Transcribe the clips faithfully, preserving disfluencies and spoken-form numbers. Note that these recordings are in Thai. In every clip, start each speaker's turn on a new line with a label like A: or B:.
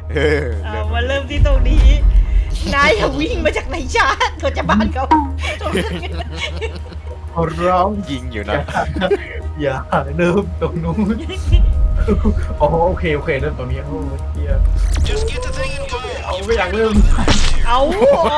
A: เออ
B: เอามาเริ่มที่ตรงนี้ นายอย่าวิ่งมาจากไหนชาติเขาจะบ้านเขา
C: ขอร้อง
A: ยิงอยู่
C: อย่า
A: นะ
C: อย่าเริ่มตรงนู้นอ๋อโอเคโอเคเริ่มตรงนี้โอ้เฮียเอาไม่อยากเริ่ม
B: เอาอ๋อ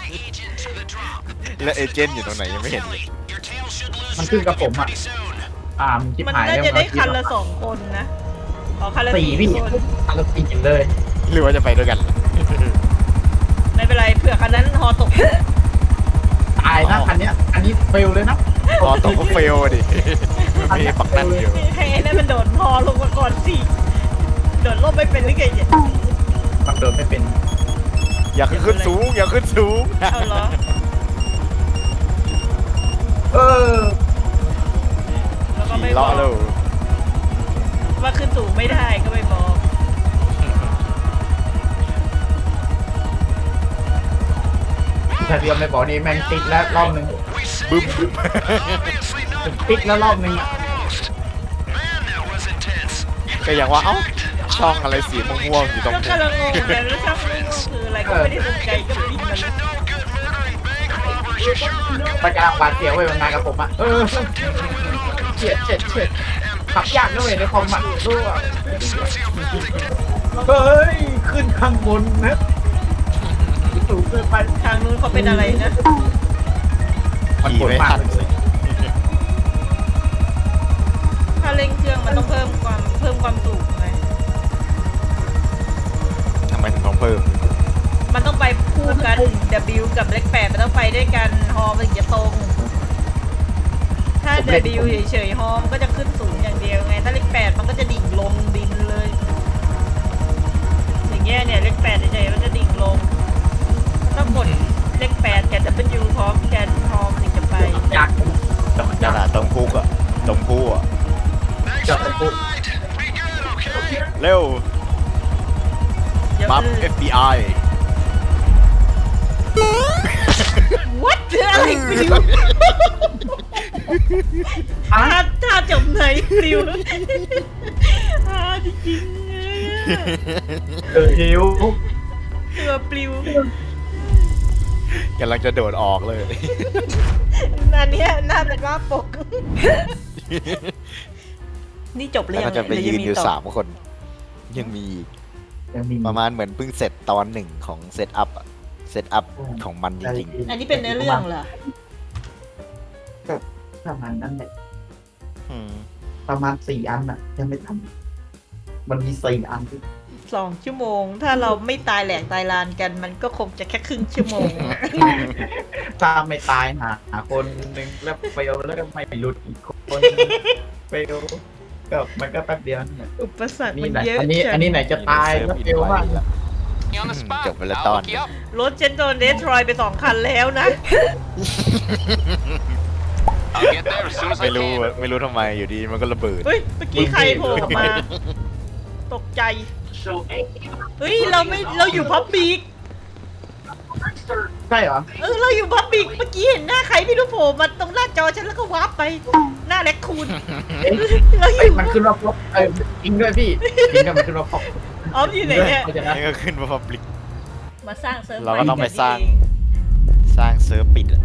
A: แล้วเอเจนต์อยู่ตรงไหนยังไม่เห็นเลย
C: มันขึ้นกับผมอ่ะอ่ามันคิด
B: มัน
C: หาย
B: น่า
C: แล้ว
B: จะได้คันละสองคนนะอ๋อคันละ
C: สี่
B: สี่
C: พี่
B: คน
C: คันละสี่เลย
A: หรือว่าจะไปด้วยกัน
B: ไม่เป็นไรเผื่อคันนั้นฮอตก
C: ตายนะคันเนี้ยอันนี้เฟลเลยนะ
A: พอตกก็เฟลดิมันมีปักนั่นอยู่
B: ให้ไอ้นั่นมันโดดฮอลงมาก่อนสิโดดล่มไม่เป็นหรือไงเนี่ย
C: บังเดินไม่เป็น
A: อย่าขึ้นสูงอย่าขึ้นสูง
B: เอาเหรอ
C: เออ
B: แล้วก็ไม่
A: ขี่
B: บ
A: ล้อ
B: อก
A: เลย
B: ว่าขึ้นสูงไม่ได้ก็ไม่บอก
C: ถ้าเรียมไม่บอกนี่แม่งติดแล้วรอบนึง
A: บึ้ม
C: ติดแล้วรอบนึง
A: ก็อย่างว่าเอ้าช่องอะไรสีม่วงๆอยู่ตรง
B: ก็
A: นี้
B: กำลังงงเลยแล้วช่างไม่รู้คืออะไรก็ไม่ได้สนใจก็บินมาเลย
C: มันกำลังบาดเสียวไว้มันมากับผมอ่ะเออเฉียดเฉียดเฉียดขับยากด้วยในคอมอ่ะด้วยเฮ้ยขึ้นข้างบนนะสูงเกินไป
B: ทางนู้นเขาเป็นอะไรนะ
C: มัน
A: ขี่
C: ปวด
A: ไม่
C: มาก
A: ทัน
C: เลย
B: ถ้าเร่งเครื่องมันต้องเพิ่มความเพิ่มความสูงไหม
A: ทำไมถึงต้องเพิ่ม
B: มันต้องไปคู่กัน W กับเลขแปดมันต้องไปด้วยกันฮอมันถึงจะตรง ถ้า W เฉยๆฮอมนก็จะขึ้นสูงอย่างเดียวไง ถ้าเลขแปดมันก็จะดิ่งลงดินเลย อย่างเงี้ยเนี่ยเลขแปดเฉยๆมันจะดิ่งลงต้องกดเลขแปดกับ W พร้อมกันฮอมนถึงจะไป
C: ยากแต่มัน
A: ข
C: ยาก
A: นาดตรงพุกอะตรงพุกอะ
C: จับตะปุก
A: เร็ว
B: เดี๋ยว
A: มัฟ
B: คือ
A: เอฟ บี ไอ
B: What อะไรปลิว
C: อ่ะ
B: ถ้าถ้าจมไหนปลิวอ่าจริงๆเลยอะ
C: เออหิว
B: ตัวปลิว
A: กำลังจะโดดออกเลย
B: อันเนี้ยน่าเป็นว่าปก นี่จบหรือ
A: แล้ว
B: ยั
A: ก็
B: ง
A: จะไป
B: หรื
A: ยืน
B: ง
A: อยู่
B: ต่
A: สามคน ยังมีอีก
C: ยังมี
A: ประมาณเหมือนเพิ่งเสร็จตอนหนึ่งของเซตอัพอะเซตอัพของมันจริง
B: อันนี้เป็นเนื้อเรื่องเหรอ
C: ประมาณนั้นแหละ
A: ๆอืม
C: ประมาณสี่อันอ่ะยังไม่ทำมันมีสี่อันที่
B: สองชั่วโมง ถ้าเราไม่ตายแหลกตายลานกัน มันก็คงจะแค่ครึ่งชั่วโมง
C: ถ้าไม่ตายหาหาคนหนึ่งแล้วเฟลแล้วก็ไม่หลุดอีกคนเฟลก็มันก็แป๊บเดียวเนี่ย
B: อุปสรรค
C: นี่
B: มัน
C: ไหน
B: เยอะ
C: อันนี้
B: จัง
C: อันนี้ไหนจะตายแล้วเฟลมาก
A: จบไปแล้วตอน
B: รถเจนโดนเดสทรอยไปสองคันแล้วนะ
A: ไม่รู้อะไม่รู้ทำไมอยู่ดีมันก็ระเบิด
B: เฮ้ย เมื่อกี้ใครโผล่ออกมา ตกใจ เฮ้ย เราไม่ เราอยู่พับบิก
C: ใช่เหรอ
B: เออ เราอยู่พับบิก เมื่อกี้เห็นหน้าใครไม่รู้โผล่มาตรงหน้าจอฉันแล้วก็วาร์ปไป หน้าแลคคูน
C: เอ๊ะ
B: เราอ
C: เอ้ย
B: ยู่
C: มันขึ้นว่าพบเออจริงด้วยพี่จริงด้วยมันขึ้นว่าพบ
B: ออฟอยู่ไหนเนี่ย
C: เพราะฉะนั้น
A: นี่ก็ขึ้นมาพับลิก
B: มาสร้างเซิร์ฟ
A: เราก็ต้องไป
B: ใหม่
A: สร้าง
B: กัน
A: สร้างเซิร์ฟปิดอะ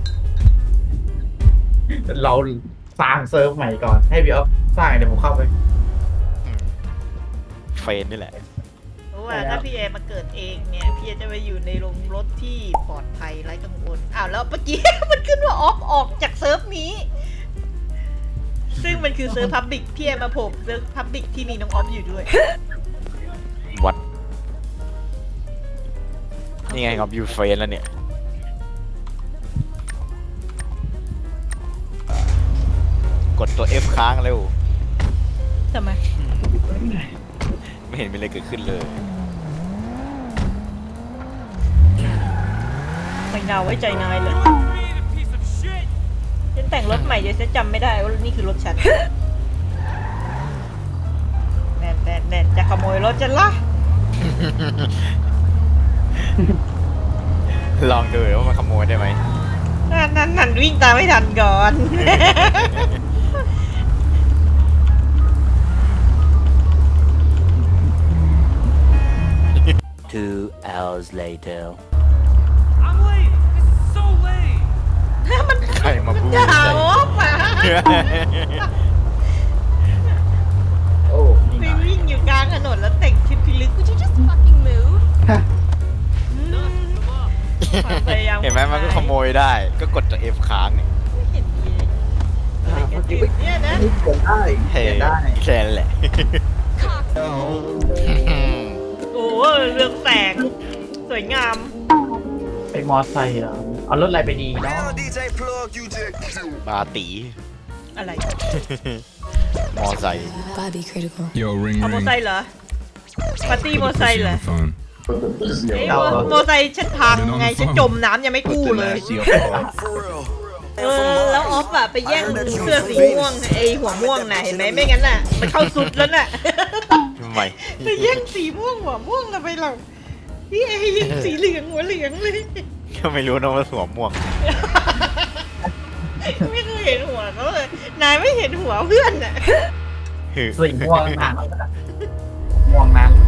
C: เราสร้างเซิร์ฟใหม่ก่อนให้พี่อ๊อฟสร้างเดี๋ยวผมเข้าไป
A: อืมเฟนนี่แหละ
B: เพราะว่าถ้าพี่เอมาเกิดเองเนี่ย พี่เอจะไปอยู่ในโรงรถที่ปลอดภัยไร้กังวลอ้าวแล้วเมื่อกี้ มันขึ้นว่าออฟออกจากเซิร์ฟนี้ ซึ่งมันคือเซิร์ฟพับบิกพี่เอมาโผล่เซิร์ฟพับบิกที่มีน้องออฟอยู่ด้วย
A: วัด นี่ไงครับยูเฟนแล้วเนี่ย กดตัว F ค้างเร็ว
B: ทำไม
A: ไม่เห็นมีอะไรเกิดขึ้นเลย
B: ไม่น่าไว้ใจนายเลยฉันแต่งรถใหม่เดี๋ยวฉันจำไม่ได้ว่านี่คือรถฉัน แน่นแน่นแน่นจะขโมยรถฉันละ
A: ลองดูว่ามันขโมยได้ไหม
B: นั่นนั่นนั่นวิ่งตามไม่ทันก่อน
C: เ
A: two hours later
D: I'm late. This is so late.
B: มัน
A: ใครมาพูด
B: ด่าออฟอ่ะ
C: โอ้นี่
B: ไป
C: ไง
B: วิ่งอยู่กลางถนนแล้วแต่งชุดพิลึก
E: Would you just fucking move?
B: ความพยายาม
A: เห็นไหมมันก็ขโมยได้ ก็กดตัว F ค้างเนี่ย
B: ไม่เห็นมีอะไรกันอยู่เนี่ยนะ
C: นี่เขียนได้
A: เฮ้
C: เขียนได้
A: แค่นั้นแหละ
B: โอ้เรื่องแสงสวยงาม
C: ไปมอไซค์เหรอเอารถอะไรไปดีเนาะ
A: บาตี
B: อะไร
A: มอไซค์
E: Bobby critical.
F: Yo, ring
B: เอาโม
F: ring.
B: ไซค์เหรอปาร์ตี้โมไซค์เหรอ
F: Phone.
B: เอ้ยโมโมไซค์ฉันพังไงฉันจมน้ำยังไม่กู้เลย เออแล้วออฟอะไปแย่งเสื้อสีม่วงไอหัวม่วงน่ะเห็นไหมไม่งั้นน่ะมันเข้าสุดแล้วน่ะ
A: ทำไม
B: ไปแย่งสีม่วงหัวม่วงทำไมเราพี่เอยิงสีเหลืองหัวเหลืองเลย
A: ก็ไม่รู้นะว่าสวมม่วง
B: ไม่เคยเห็นหัวเขาเลยนายไม่เห็นหัวเพื่อนน่ะ
C: สีม่วงน้ำม่วงน้ำ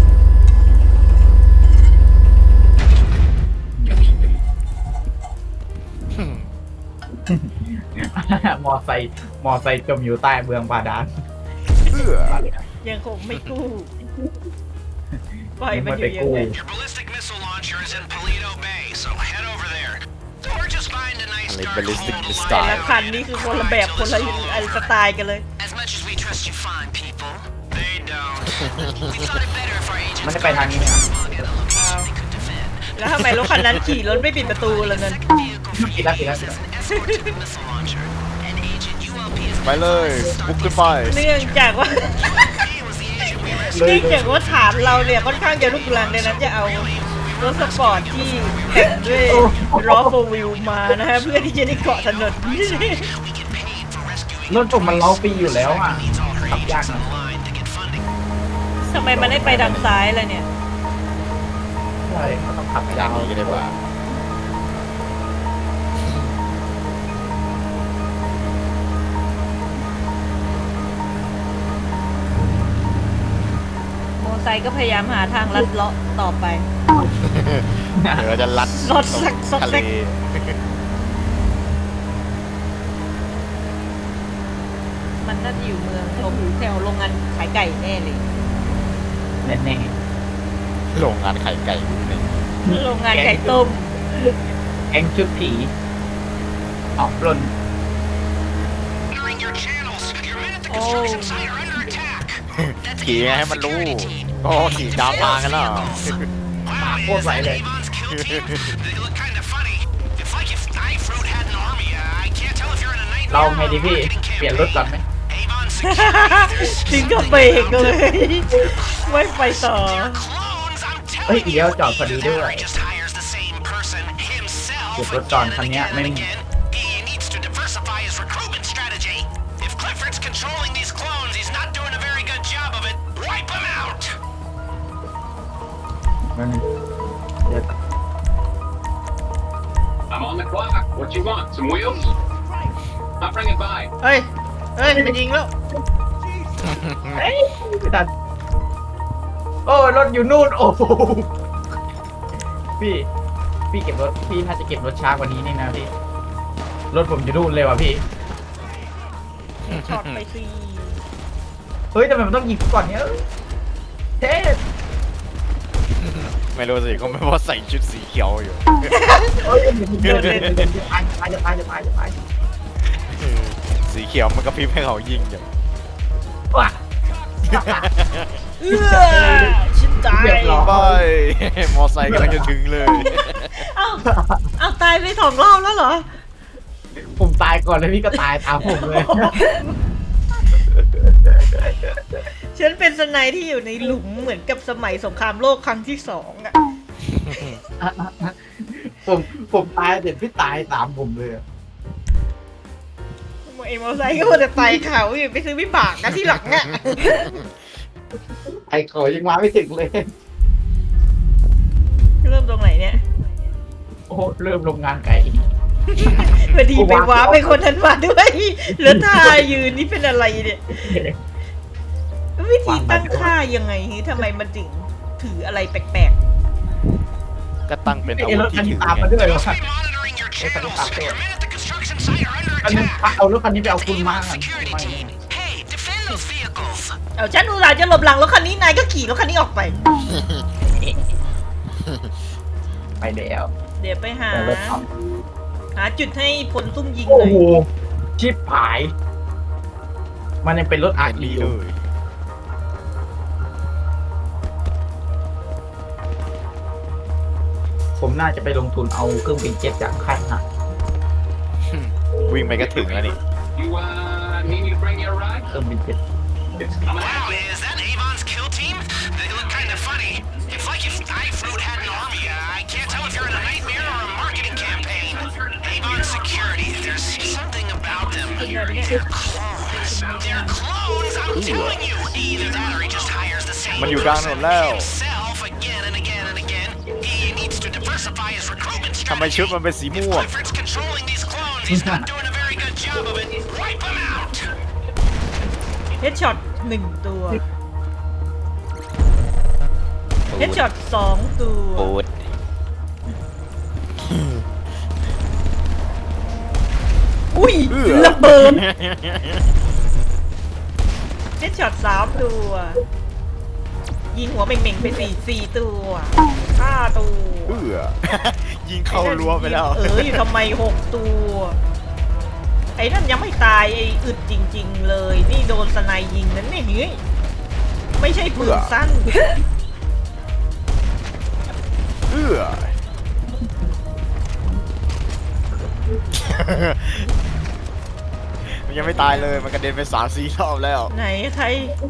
C: มอไซค์มอไซค์จมอยู่ใต้เมืองบาดาล
B: ยังคงไม่กู้ปล่อยมันอยู่อย่างนั้น
G: Your ballistic missile launcher is in Paleto Bay, so head over there. Or just find a nice
A: อะไร
G: dark
A: ballistic
G: hole to
A: missile
B: แต่
G: lie
B: ละ
G: in.
B: คันนี่คือคนละแบบคนละสไตล์กันเลย
G: As much as we trust you fine people, they don't. We thought it better if our agents
C: มันจะไปทางนี้ไหมครับ
G: get a location they could defend.
B: แล้วทำไมรถคันนั้นขี่รถไม่ปิดประตูล่ะนั่น
G: Second vehicle for
C: ปิด
G: you
C: แล้วปิดแล้ว
G: is an escort to the missile launcher. An agent U L P has
A: ไปเลยบุกขึ้นไป
B: เนื่องจากว่า
G: He was the agent we
B: เนื่อง
G: rescued.
B: จากว่าฐานเราเนี่ยค่อนข้างจะลุกลังดังนั้นจะเอารถสปอร์ตที่แต่งด้วยล้อโฟร์วิวมานะฮะเพื่อที่จะได้เกาะถนน
G: We get paid for rescuing
C: รถผมมันเล้าปีอยู่แล้วอ่ะ
G: needs all her
C: ขับยาก
G: agents
C: นะ
G: on the line to get funding.
B: ทำไมมันได้ไปทางซ้ายล่ะเนี่ย
C: ใช่เขาต้องขับ
A: อย
C: ยา
A: ย่าง
C: ว
A: นี้ก็ได้ป่ะ
B: โมไซค์ก็พยายามหาทางลัดเลาะต่อไป
A: เดี๋ยวเราจะลัด
B: รถสักซอก
A: ทะ
B: แซ
A: เล
B: ก มันน่าจะอยู่เมืองตรงแถวโรงงานขายไก่แน่เลย
C: แน่
A: โรงงานไข่ไก่อยู่นี่
B: โรงงานไก่ต้ม
C: ๆแองชุดผีออกปล้น
G: Entering your channels. Your men at the
B: Oh.
G: construction site are under attack. That's
A: ขี่
G: Avon's
A: ให้มันรู้
G: security team.
A: โอ้ขี่ตามทางกันแล้วเหรอ
G: Wow,
C: What
G: is
C: was I
G: that
C: like?
G: Avon's kill team? They look kind of funny. It's like if Knife Road had an army. Uh, I can't tell if you're in a
C: เรา
G: nightmare
C: ไง
G: or
C: ดี
G: a
C: พี่
G: marketing
C: เปลี่ยนรถ
G: campaign.
C: ก่อนไหม
G: Avon's security
B: ถึงกับเบรกเลย ไม่ไปต่อ
G: clones. I'm
C: เฮ้ย
G: telling
C: เดี๋ยว
G: you.
C: จอดพอดีด้วย
G: He just hires the same person himself
C: เก็บรถก่อน
G: again
C: คัน
G: and
C: เนี้ย
G: again
C: ไม่
G: and
C: มี
G: again. He needs to diversify his recruitment strategy. If Clifford's controlling these clones, he's not doing a very good job of it. Wipe him out.
C: มันเดี๋ยว
H: I'm on the clock. What you want? Some wheels? I'll bring it by.
B: เฮ้ย เฮ้ยมันยิงแล้ว
C: เอ้ยไม่ทันโอ้รถอยู่นู่น โอ้โหพี่ พี่เก็บรถ พี่น่าจะเก็บรถช้ากว่านี้นี่นะพี่ รถผมอยู่นู่นเลยว่ะพี่
B: ช็อตไปสิ
C: เฮ้ยทำไมมันต้องยิงก่อนเนี้ยเท่
A: ไม่รู้สิเขาไม่พอใส่ชุดสีเขียวอยู่
C: เฮ้ยเดินเดินเดินจะตายจะตายจะตายจะตายจะตาย
A: สีเขียวมันก็พริบให้เขายิงอยู่
C: ว้า
B: เอื้อฉันตาย
C: เรียบร้อย
A: ไป มอไซค์กำลังจะถึงเลย
B: เอ้าเอ้าตายไปสองรอบแล้วเหรอ
C: ผมตายก่อนแล้วพี่ก็ตายตามผมเลย
B: ฉันเป็นสไนที่อยู่ในหลุมเหมือนกับสมัยสงครามโลกครั้งที่สองอะ
C: ผมผมตายเสร็จพี่ตายตามผมเลยอะ
B: ไอ้มอไซค์ก็มาแต่ไต่เขาอยู่ไปซื้อวิบากกันที่หลังอะ
C: ไอ้เขายังมาไม่ถึงเลย
B: เริ่มตรงไหนเนี่ย
C: โอ้โหเริ่มโรงงานไก่
B: พอดีไปว้าไปคนนั้นมาด้วยแล้วท่ายืนนี่เป็นอะไรเนี่ยวิธีตั้งค่ายังไงทำไมมันถึงถืออะไรแปลกๆ
A: ก็ตั้งเป็นอา
C: ไอ้
A: วุ
C: ร
A: ธ
C: ถคัน
A: ที่
C: นี้
A: ถือ
C: ตาม
A: ไง
C: มาด้วยวะ
G: Must be monitoring your channels. Your men at the construction site are under
C: อันนี้
G: attack.
C: เอารถคันนี้ไปเอาคุณมา
G: Avon security team. Hey, defend those vehicles.
B: เอาฉันอุตส่าห์จะหลบหลังรถคันนี้นายก็ขี่รถคันนี้ออกไป
C: ไปแล้ว
B: เดี๋ยวไปหา
C: แต่รถเอา
B: หาจุดให้ผลซุ่มยิง
C: โอ้
B: หน่อย
C: โหชิปหาย มันยังเป็นรถอา
A: เห็
C: ร์
A: น
C: ดี
A: ดี
C: อ
A: เล
C: ยู่
A: ย
C: ผมน่าจะไปลงทุนเอาเครื่องบินเจ็ตจากค่ายทหาร
A: วิ่งไปก็ถึงแล้วนี่
H: You, uh, need me to bring you a ride?
C: เครื่องบินเจ็ต
H: It's coming
G: Wow,
H: at you.
G: is that Avon's kill team? They look kind of funny. It's like if iFruit had an army. Uh, I can't tell if you're in a nightmare or a marketing campaign. Avon Security, there's something about them. They're clones. They're clones, I'm telling you. Either that or he just hires the same
A: มันอยู่กลางถนนแล้ว
G: himself again and again and again. He needs to diversify his recruitment
A: ทำไม
G: strategy.
A: ชุดมันเป็นสี
G: If
A: ม่วง
G: Clifford's controlling these clones, he's not doing a very good job of it. Wipe him out.
B: เฮดช็อตหนึ่งตัวเฮดช็อตสองตัว
A: โอ้ด
B: อุ้ย
A: เอื้อ
B: ระเบิดเฮดช็อตสามตัว ยิงหัวเม่งๆไปสี่สี่ตัวห้าตัว
A: เอื้อ ยิงเข้ารั้วไปแล้ว
B: เอออยู่ทำไมหกตัว ไอ้นั่นยังไม่ตายไอ้อึดจริง ๆ เลย นี่โดนสไนยิงนั่นเนี่ยเฮ้ยไม่ใช่ปืนสั้น
A: เอื้อ มันยังไม่ตายเลย มันกระเด็นไปสามสี่รอบแล้ว
B: ไหนใคร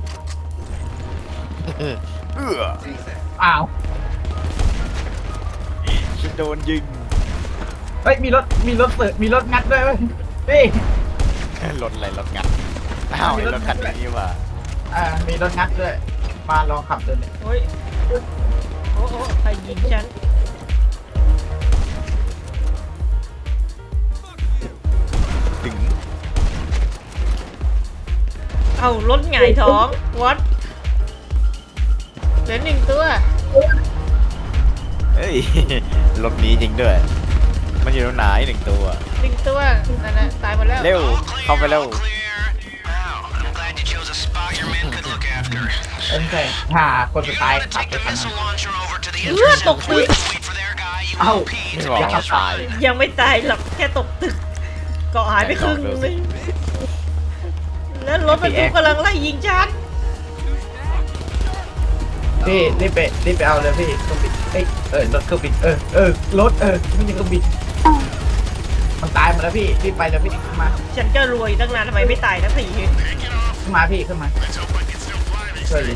A: เอื้อ
C: อ้าว
A: ฉันโดนยิง
C: เฮ้ย มีรถ มีรถเปิดมีรถงัดด้วยเว้ยพี่
A: รถอะไรรถงัดอ้าวไอ้รถคันนี้ว่ะ
C: อ่า มีรถงัดด้วย มาลองขับดูเนี่ย
B: โอ้ยโอ้โอ้ใครยิงฉัน
A: ถึง
B: เอารถหงายท้องวัดเหลือหนึ่งตัว
A: เฮ้ย รถนี้จริงด้วย มันอยู่ตรงไหนหนึ่งตัว
B: หนึ่งตัวนั่นนะตายหมดแล้ว
A: เร็ว
G: All clear,
A: เข้าไปเร็ว
G: all clear. Wow, I'm glad you chose a spot your men could look after.
C: เอ้ยใช่ถ้าคนสุดท้าย
G: I'm gonna
C: ขับ
G: take
C: ไป
G: the
C: คันนั้น
G: missile launcher over to the
B: เอื้อ
G: intercept
B: ตกตึก
G: point. Wait for their guy, U
C: เอ้า
G: O P,
A: ไม่
G: to
A: บอก
C: อย่าขั
A: ว่า
C: บ
A: ตาย
B: ยังไม่ตายหรอกแค่ตกตึกเกาะหายไปครึ่งเลยแล้วรถบรรทุกกำลังไล่ยิงฉัน
C: พี่รีบไปรีบไปเอาเลยพี่เครื่องบินเอ้ยเออรถเครื่องบินเออเออรถเออไม่ใช่เครื่องบินมันตายหมดแล้วพี่รีบไปเลยพี่ขึ้นมา
B: ฉันก็รวยตั้งนานทำไมไม่ตายทั้งสี่
C: ขึ้นมาพี่ขึ้นมาช่วยดิ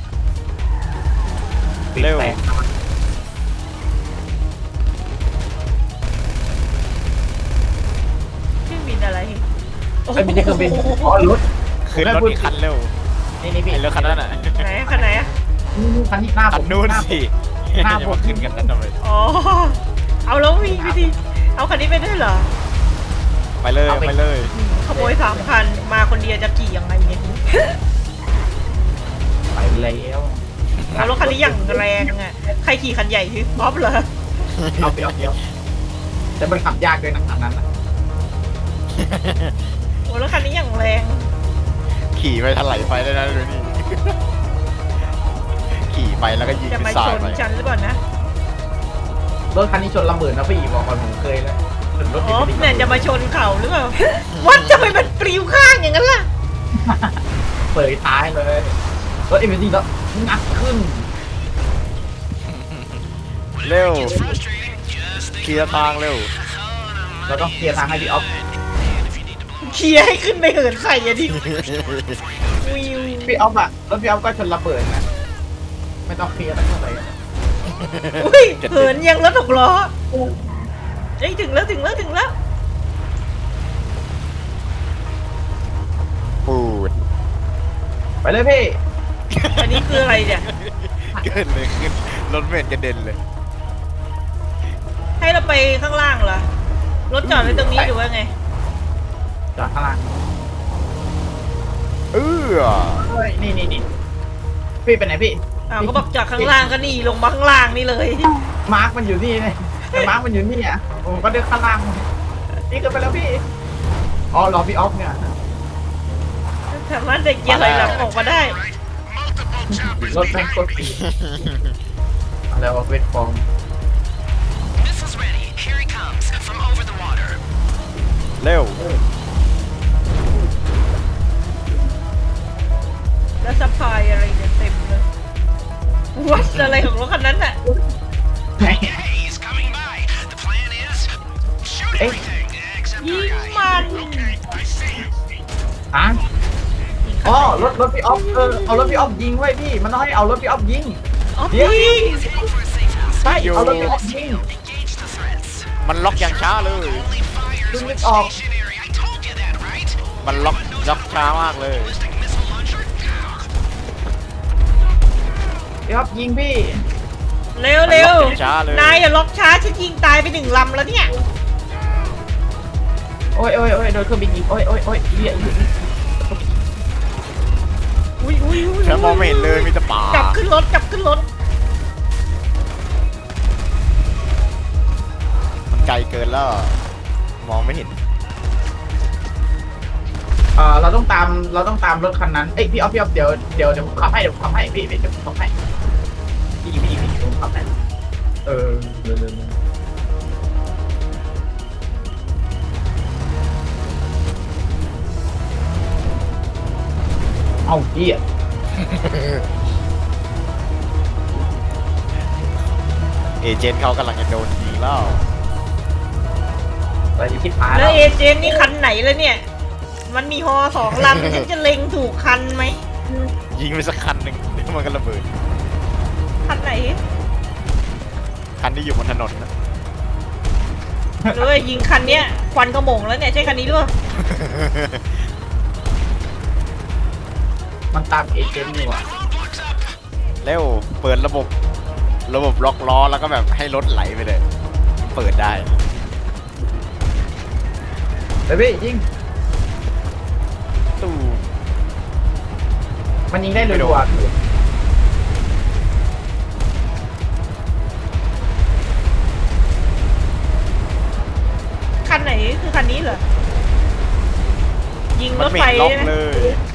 A: เร็ว
C: แตก
B: เครื่องบินอะไร
C: เอ้ยไม่ใช่เครื่องบินอ๋อรถ
A: ขึ้นรถอีกคันเร็ว
C: นี่นี่พี่
A: ไอ้รถคันนั้นอ่ะ
B: ไหนคันไหนอะ
C: นี่นี่คันนี้หน้าผ
A: คัน
C: ม
A: นู้น
C: หาผม
A: สิ
C: หน้า
A: อย่า
C: ผม
A: มาขึ้นกันนั้นทำไม
B: อ๋อเอาแล้ววิ่งไปดิเอาคันนี้ไปด้วยเหรอ
A: ไปเลยไปเลย
B: ขโมยสามคันมาคนเดียวจะขี่ยังไงเนี่ย
C: ไปแล้ว
B: เอารถคันนี้อย่างแรงอะใครขี่คันใหญ่คือป๊อปเหรอ
C: เอาไปเอาเดียวแต่มันขับยากด้วยนะคันนั้นน่ะ
B: โอ้รถคันนี้อย่างแรง
A: ขี่ไปถลายไปได้นะดูนี่ ขี่ไปแล้วก็ยิง
B: จะ
A: ไป
B: มา
A: สา
B: ช
A: ด
B: น
A: ไป
B: ฉันหรือเปล่านะ
C: รถคันนี้ชนระเบิดนะพี่บอกก่อนผมเคยแล้วชนรถ
B: อ๋อ
C: ติด
B: เนี่ยจะมาชนเขาหรือเปล่าวัดจะไปมันปลิวข้างอย่างนั้นล่ะ
C: เปิดท้ายเลยรถเอ็มวีแล้วงัดขึ้น
A: เร็ว
G: It's frustrating. Just think
A: เคลียร์ทางเร็ว
C: เราต้องเคลียร์ทางให้พี่ออฟ
B: เคลียร์ให้ขึ้นไปเหินใส่อะดิวิว
C: พี่ออฟอะรถพี่ออฟก็ชนระเบิดนะไม่ต้องเคลียร์แล้วเท่าไหร่
B: อุ้ยเหินยังรถหกล้อเอ้ยถึงแล้วถึงแล้วถึงแล้ว
A: ปูด
C: ไปเลยพี่
B: อันนี้คืออะไรเนี่ย
A: เกินเลยขึ้นรถเมล์กระเด็นเลย
B: ให้เราไปข้างล่างเหรอ รถจอดไว้ตรงนี้หรือว่าไง
C: จอดข้างล่าง
A: เออ
C: เฮ้ยนี่นี่นี่พี่ไปไหนพี่
B: อ้าวก็บอกจอดข้างล่างก็นี่ลงมาข้างล่างนี่เลย
C: มาร์กมันอยู่นี่เลยแต่มาร์กมันอยู่นี่อ่ะผมก็เดินข้างล่างนี่ก็ไปแล้วพี่อ๋อรอพี่ออฟเนี่ย
B: สามารถเด็กเกียร์ไหลหลังออกมาได้
C: รถแม่งโคตรปีอะไรวะเวทฟอร์ม
G: Missiles ready. Here he comes from over the water.
A: เร็ว
B: แล้วสะพายอะไรเนี่ยเต็มเลยวัดอะไรของรถคันนั้นน่ะ
G: Hey, he's coming by. The plan is shoot everything except
B: ยิ
G: our
B: ง
G: guy.
B: มัน
G: Okay, I see you.
C: อ่ะอ๋อรถรถพี่ออฟเออเอารถพี่ออฟยิงไว้พี่มันต้องให้เอารถพี่ออฟยิง
B: อ๋อ
C: เดี๋ยว
B: ยิง
G: He's heading for a safe house.
C: ใช่เอารถพี่ออฟยิง
G: Engage the threats.
A: มันล็อกอย่างช้าเลย
G: Only fires
C: Didn't
G: when
C: it all-
G: stationary. I told you that, right?
A: มันล็อกล็อกช้ามากเลย
G: Ballistic missile launcher.
C: พี่ออฟยิงพี่
B: เร็วเร็ว
A: มันล็อกช้าเลย
B: นายอย่าล็อกช้าฉันยิงตายไปหนึ่งลำแล้วเนี่ย
C: โอ้ยโอ้ยโอ้ยโดนเครื่องบินยิงโอ้ยโอ้ยโอ้ยเหี้ย
B: อุ้ยอุ้ยอุ้ย
A: ฉันมองไม่เห็นเลยมีแต่ป่าก
B: ลับขึ้นรถกลับขึ้นรถ
A: มันไกลเกินแล้ว มองไม่เห็น
C: เออเราต้องตามเราต้องตามรถคันนั้นเอ้ยพี่ออฟพี่ออฟเดี๋ยวเดี๋ยวเดี๋ยวผมขับให้เดี๋ยวผมขับให้พี่พี่เดี๋ยวผมขับให้พี่พี่พี่ผมขับให้เออเร็วเร็วเร็วเอาพี่อ่ะ
A: เอเจนต์เขากำลังจะโดนยิงแล้ว
C: ไปที่ชิบหาย
B: แล้
C: แล้ว ว
B: เอเจนต์นี่คันไหนแล้วเนี่ย มันมีฮอสองลำฉันจะเล็งถูกคันไหม
A: ยิงไปสักคันหนึ่งเดี๋ยวมันก็ระเบิด
B: คันไหน
A: คันที่อยู่บนถนนนะ
B: หรือว่ายิงคันเนี้ยควันกระหม่งแล้วเนี่ยใช่คันนี้ด้วย
C: มันตามเอเจนต์นี่หว่ะ
G: Roadblocks up.
A: เร็ว เปิดระบบ ระบบล็อกล้อแล้วก็แบบให้รถไหลไปเลย เปิดได้
C: เดี๋ยวพี่ยิง
A: ตู้
C: มันยิงได้เลย
A: ไม่โดน
C: ว่ะ
B: คันไหนคือคันนี้เหรอ ยิงร
A: มัน
B: ถ
A: ไม่
B: ไฟ
A: เห็นล็อก
B: ใช่ไหม
A: เลย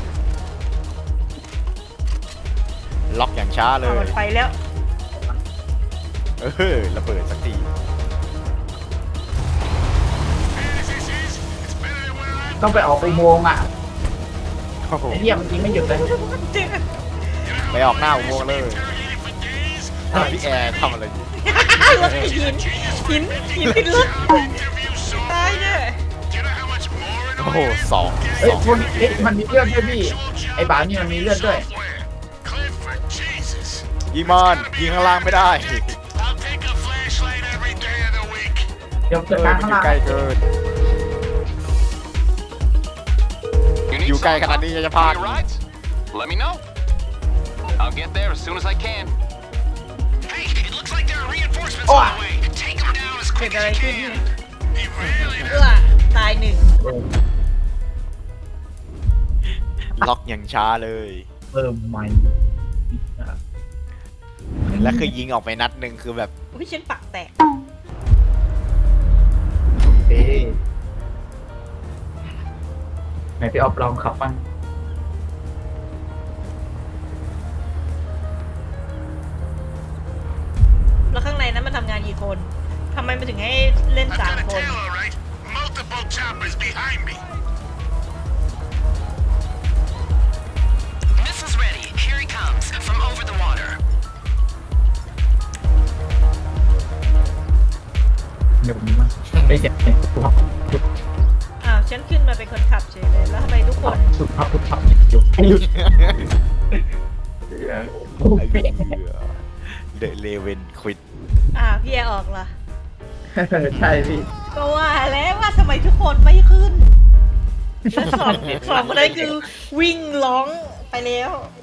A: ล็อกอย่างช้าเล
B: เอา
A: ย
B: มันไปแล้ว
A: เออระเบิดสักที
C: ต้องไปออกอุโมงค์อ่ะ
A: โอ้โห
C: ไอ้เหี้ยมันยิงไม่หยุดเลย
A: ไปออกหน้าอุโมงค์เลยพี่แอร์ทำอะไรอยู่
B: รถหินหินหินติดรถตายเนี่ย
A: โอ้โหสอง
C: เอ้
A: ส
C: ย
A: อง
C: คนเอ้ยมันมีเลือดด้วยพี่ ไอ้บ่าวนี่มันมีเลือดด้วย
G: Clifford, Jesus.
A: ยิงมันยิงข้างล่างไม่ได้
G: I'll take a flashlight every day of the week.
C: เดี๋ยว
A: เอ
C: เกิด
A: อ
C: การ
A: มัน
C: ข้าง
A: อยู่
C: ล่าง
A: ใกล้เกิน
H: You
A: อยู่
H: need
A: ใกล้
H: some
A: ขนาดนี้จะพลาด
H: any rides? Let me know. I'll get there as soon as I can.
G: Hey, it looks like there are reinforcements
C: Oh.
G: on the way. Take them down as
B: เกิด
G: quick
B: อะไร
G: as you
B: ขึ้นเนี่ย
G: can. He really
B: เอื้อตายหนึ่ง
A: ล็อกอย่างช้าเลย
C: เพิ่มใหม่
A: แล้วคือยิงออกไปนัดหนึ่งคือแบบ
B: อุ้ยฉันปากแตก
C: เอ๊ะไหนพี่ออฟลองขับบ้าง
B: แล้วข้างในนั้นมันทำงานกี่คนทำไมมันถึงให้เล่น
G: I've
B: สาม
G: got a
B: คน
G: tail, all right. Multiple choppers behind me. Missiles ready. Here he comes from over the water.
C: เดี๋ยวผมมาไอ้เจ็บเนี่ยสุดครับ
B: อ้าวฉันขึ้นมาเป็นคนขับเฉยเลย แล้วทำไมทุกคน
C: สุดครับสุดครับหยุดหยุดโอ้ย
A: เดอะเลเวนควิด
B: อ้าวพี่แอร์ออกเหรอ
C: ใช่พี่
B: ก็ว่าแล้วว่าทำไมทุกคนไม่ขึ้น แล้วสองสองคนนั้นคือวิ่งร้องไปแล้ว